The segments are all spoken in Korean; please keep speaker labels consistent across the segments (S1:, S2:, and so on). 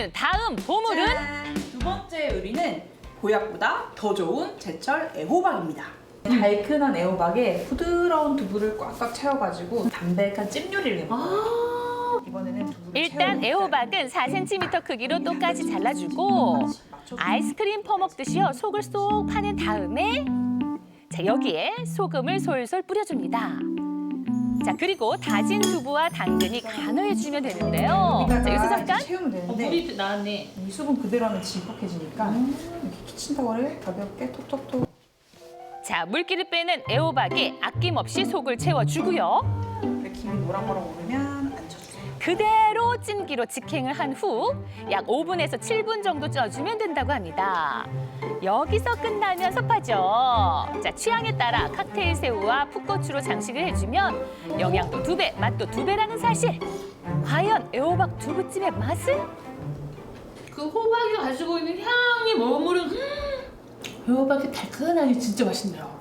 S1: 요리는 다음 보물은
S2: 짠! 두 번째 요리는 보약보다 더 좋은 제철 애호박입니다. 달큰한 애호박에 부드러운 두부를 꽉꽉 채워가지고 담백한 찜 요리를 해볼게요. 이번에는 두부를
S1: 일단
S2: 채워놓고
S1: 애호박은 4cm 크기로 똑같이 잘라주고 아이스크림 퍼먹듯이요 속을 쏙 파낸 다음에 자 여기에 소금을 솔솔 뿌려줍니다. 자 그리고 다진 두부와 당근이 간호해주면 되는데요. 자 여기서 잠깐.
S2: 채우면 되는데
S3: 물이 나왔네.
S2: 이 수분 그대로 하면 진퍽해지니까 이렇게 키친타월을 가볍게 톡톡톡.
S1: 자 물기를 빼는 애호박에 아낌없이 속을 채워주고요.
S2: 김이 모락모락 오르면 앉혀주세요.
S1: 그대로 찜기로 직행을 한 후 약 5분에서 7분 정도 쪄주면 된다고 합니다. 여기서 끝나면 섭하죠. 자 취향에 따라 칵테일 새우와 풋고추로 장식을 해주면 영양도 2배, 맛도 2배라는 사실. 과연 애호박 두부찜의 맛은?
S3: 그 호박이 가지고 있는 향이 머무른 호박이 달큰하니 진짜 맛있네요.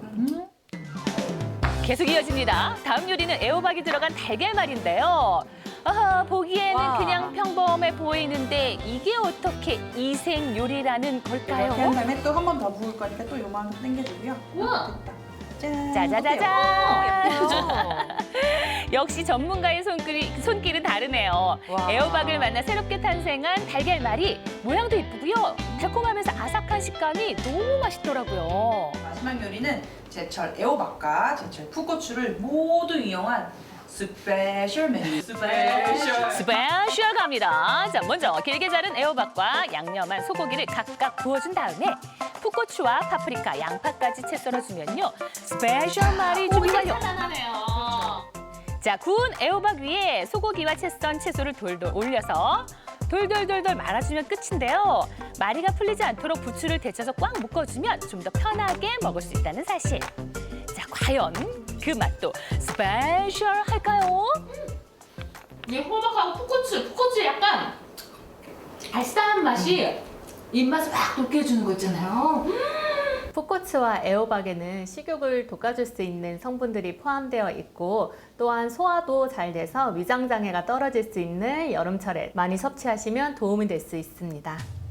S1: 계속 이어집니다. 다음 요리는 애호박이 들어간 달걀말인데요. 아하, 보기에는
S2: 와.
S1: 그냥 평범해 보이는데 이게 어떻게 이생 요리라는
S2: 이렇게 한
S1: 걸까요?
S2: 다음에 또 한 번 더 부을 거니까 또 요만큼 당겨주고요.
S3: 우와.
S2: 됐다. 짠!
S1: 짜자자잔! 역시 전문가의 손길은 다르네요.
S2: 와.
S1: 애호박을 만나 새롭게 탄생한 달걀말이 모양도 이쁘고요. 달콤하면서 아삭한 식감이 너무 맛있더라고요.
S2: 마지막 요리는 제철 애호박과 제철 풋고추를 모두 이용한 스페셜 메뉴.
S1: 스페셜 갑니다. 자, 먼저 길게 자른 애호박과 양념한 소고기를 각각 구워준 다음에 풋고추와 파프리카, 양파까지 채 썰어주면요. 스페셜 말이 준비 완료.
S3: 편안하네요.
S1: 자, 구운 애호박 위에 소고기와 채 썬 채소를 돌돌 올려서 돌돌돌돌 말아주면 끝인데요. 마리가 풀리지 않도록 부추를 데쳐서 꽉 묶어주면 좀 더 편하게 먹을 수 있다는 사실. 자, 과연 그 맛도 스페셜할까요?
S3: 이 호박하고 풋고추 약간 알싸한 맛이 입맛을 확 돋게 해주는 거 있잖아요.
S4: 풋고추와 애호박에는 식욕을 돋궈줄 수 있는 성분들이 포함되어 있고 또한 소화도 잘 돼서 위장 장애가 떨어질 수 있는 여름철에 많이 섭취하시면 도움이 될 수 있습니다.